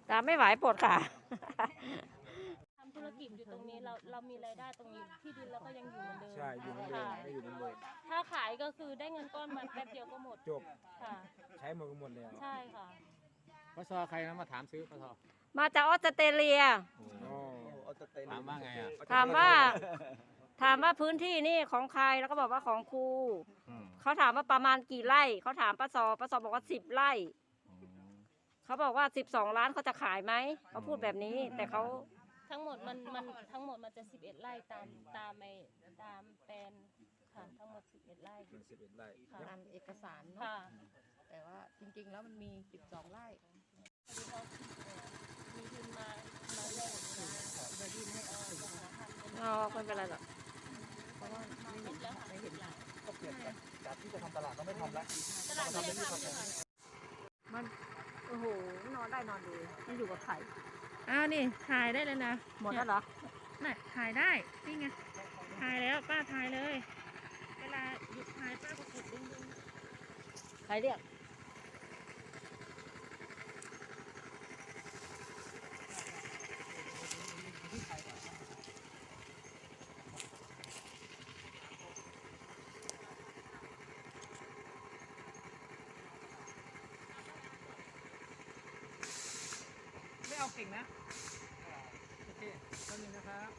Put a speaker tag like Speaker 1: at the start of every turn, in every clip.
Speaker 1: ตามไม่ไหวปวดขา
Speaker 2: ทำธุรกิจอยู่ตรงนี้เรามีรายได้ตรงนี้ที่ดินเราก็ยังอยู่เหมือนเดิม
Speaker 3: ใช่อยู่เหมือนเดิมไม่อยู่เหมือนเดิม
Speaker 2: ถ้าขายก็คือได้เงินก้อนมาแป๊บเดียวก็หมด
Speaker 3: จบ
Speaker 2: ค่ะ
Speaker 3: ใช้หมดก็หมดแล้ว
Speaker 2: ใช่ค่ะ
Speaker 4: ปสใครนะมาถามซื้อปส
Speaker 1: มาจากออสเตรเลีย
Speaker 4: ถามว่าไงอ่ะ
Speaker 1: ถามว่าพื้นที่นี่ของใครแล้วก็บอกว่าของครูเขาถามว่าประมาณกี่ไร่เขาถามป้าซอบอกว่า10 ไร่เขาบอกว่า12 ล้านเขาจะขายไหมเขาพูดแบบนี้แต่เขา
Speaker 2: ทั้งหมดมันทั้งหมดมันจะ11 ไร่ตามแปลนค่ะทั้งหมด11 ไร่
Speaker 3: 11 ไร่
Speaker 5: ตามเอกสารเนาะแต่ว่าจริงๆแล้วมันมี12 ไร่
Speaker 2: มีทุนมาแลกเดี๋ยวดินให้
Speaker 1: ไม่เป็นไรหรอก
Speaker 5: เพราะว่าไม่เห็น
Speaker 3: ก็เปลี่ยนจากที่จะทำตลาดก็ไม่ทำแล้ว
Speaker 2: ตลาดไม่ทำเลย
Speaker 1: มันโอ้โหนอนได้นอนดีมันอยู่กับไข่
Speaker 5: อ้าวนี่ถ่ายได้เลยนะ
Speaker 1: หมดแล้วเหรอ
Speaker 5: น่ะถ่ายได้นี่ไงถ่ายแล้วป้าถ่ายเลยเวลาหยุดถ่ายป้าก็กดดึง
Speaker 1: ใครเรียก
Speaker 4: ไม่เอาเก่งนะโอเคต้นนึงนะครับ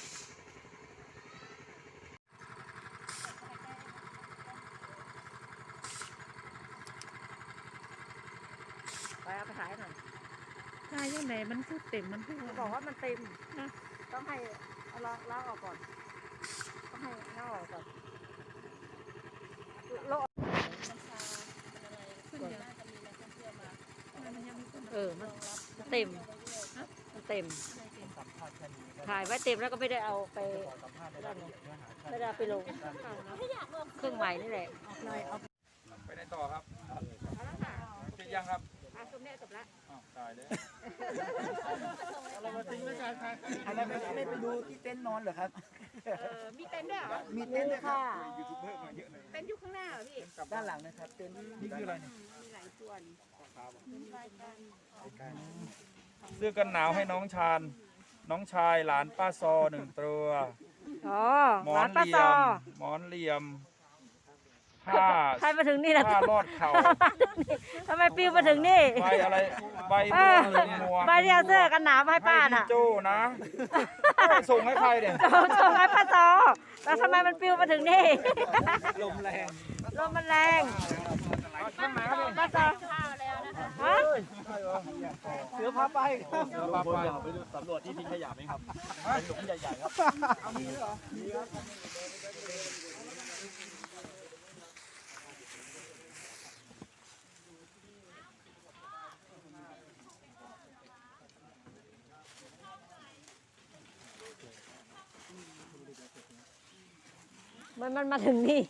Speaker 1: ไปเอาไปขายหน่อย
Speaker 5: ถ่ายยังไงมันพูดเต็มมันพูด
Speaker 1: บอกว่ามันเต็มนะต้องให้เอาล้างออกก่อนต้องให้ล้างออกก่อนโล
Speaker 2: ขึ้นเยอะน่าจะมีนักท่องเที่ยวมา
Speaker 5: มันยังมีคน
Speaker 1: มันเต็มถ่ายไว้เต็มแล้วก็ไม่ได้เอาไปไม่ได้ไปลงเครื่องใหม่นี่แหละ
Speaker 3: ไปไหนต่อครับเสร็จยังครับ
Speaker 1: จบแล้ว
Speaker 3: ตายเลย
Speaker 4: อะไรมาทิ้งไว้กันครับ
Speaker 3: อะไรไม่ไปดูที่เต็นท์นอนเหรอครับ
Speaker 5: มีเต็นท์ด้วยเหรอ
Speaker 3: มีเต็นท์ด้วยค่ะ
Speaker 5: ยูทูบเบอร์มาเยอะเลยเต็นท์อยู่ข้างหน้าเหรอพี่
Speaker 3: ด้านหลังนะครับเต็นท์นี่คืออะไรเนี่ย
Speaker 5: มีหลายส่วน
Speaker 3: เสื้อกันหนาวให้น้องชายหลานป้าซอ1 ตัวหมอนเหลี่ยมผ้า
Speaker 1: ใครมาถึงนี่นะ
Speaker 3: ผ้ารอดเข่า
Speaker 1: ทำไมปิ้วมาถึงนี่
Speaker 3: ใบอะไรใบบัว
Speaker 1: ใบที่เอาเสื้อกันหนาวให้ป้าน่ะ
Speaker 3: โจ้นะส่งให้ใครเนี่ย
Speaker 1: ส่งให้ป้าซอแล้วทำไมมันปิ้วมาถึงนี่
Speaker 3: ลมแรง
Speaker 1: ลมมันแรงป้าซอฮะ
Speaker 3: เสือพาไปไปดูสำรวจที่ทิ้งขยะไหมครับเป็นหลุมใหญ่ๆครับเอามีด้วยเหรอมีครับ
Speaker 1: มันมาถึงนี่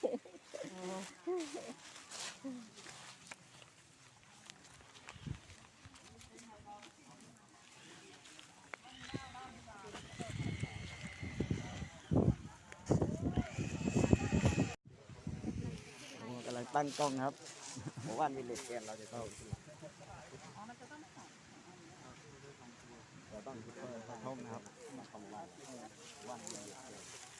Speaker 6: กำลังตั้งกล้องครับผมว่ามีเหล็กแกนเราจะเข้าเราต้องคิดว่าเขาท่องนะครับมาทำลายวันเหล็กแกน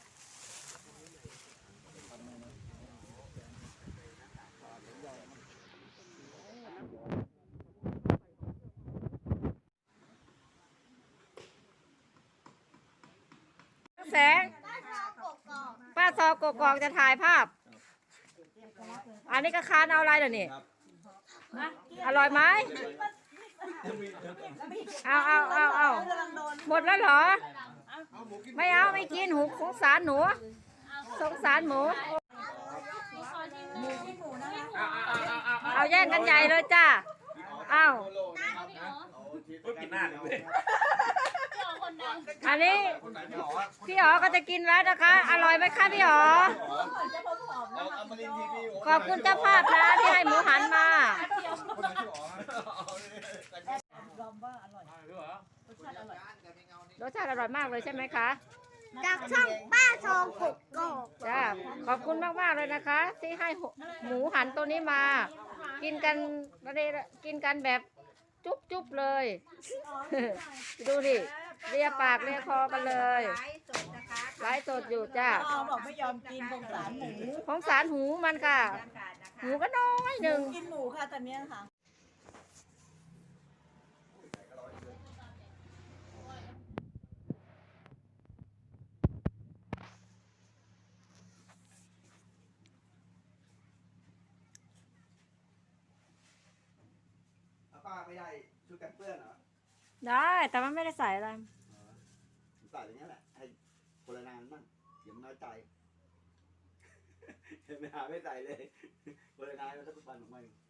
Speaker 1: แสงป้าซอกกอกจะถ่ายภาพอันนี้ก็ค้านเอาอะไรเดี๋ยวนี้อร่อยไหมเอาหมดแล้วเหรอไม่เอาไม่กินหูสงสารหนูสงสารหมูเอาแย่งกันใหญ่เลยจ้าเอาอันนี้พี่อ๋อก็จะกินแล้วนะคะอร่อยไหมคะพี่อ๋อขอบคุณเจ้าภาพนะที่ให้หมูหันมารสชาติอร่อยมากเลยใช่ไหมคะ
Speaker 7: จากช่องป้าทองกกกอก
Speaker 1: จ้าขอบคุณมากๆเลยนะคะที่ให้หมูหันตัวนี้มากินกันแบบจุ๊บจุ๊บเลย ดูดิเลียปากเลียคอกันเลยไลฟ์สดอยู่จ้า
Speaker 8: พ่อบอกไม่ยอมกินสงสารหมู
Speaker 1: ของสารหูมันค่ะ หูก็น้อยหนึ่ง
Speaker 8: กินหมูค่ะตอนเนี้ยค่ะ
Speaker 6: ป้าไม่ได้ชุดกันเปื้อนเหรอ
Speaker 1: ได้แต่มันไม่ได้ใส่อะไร
Speaker 6: ใส่อย่างนี้แหละ ให้คนละนานมั่งเดี๋ยวมันน้อยใจ เห็นไหมหาไม่ใส่เลยคนละนานแล้วถ้าทุกวันออกมา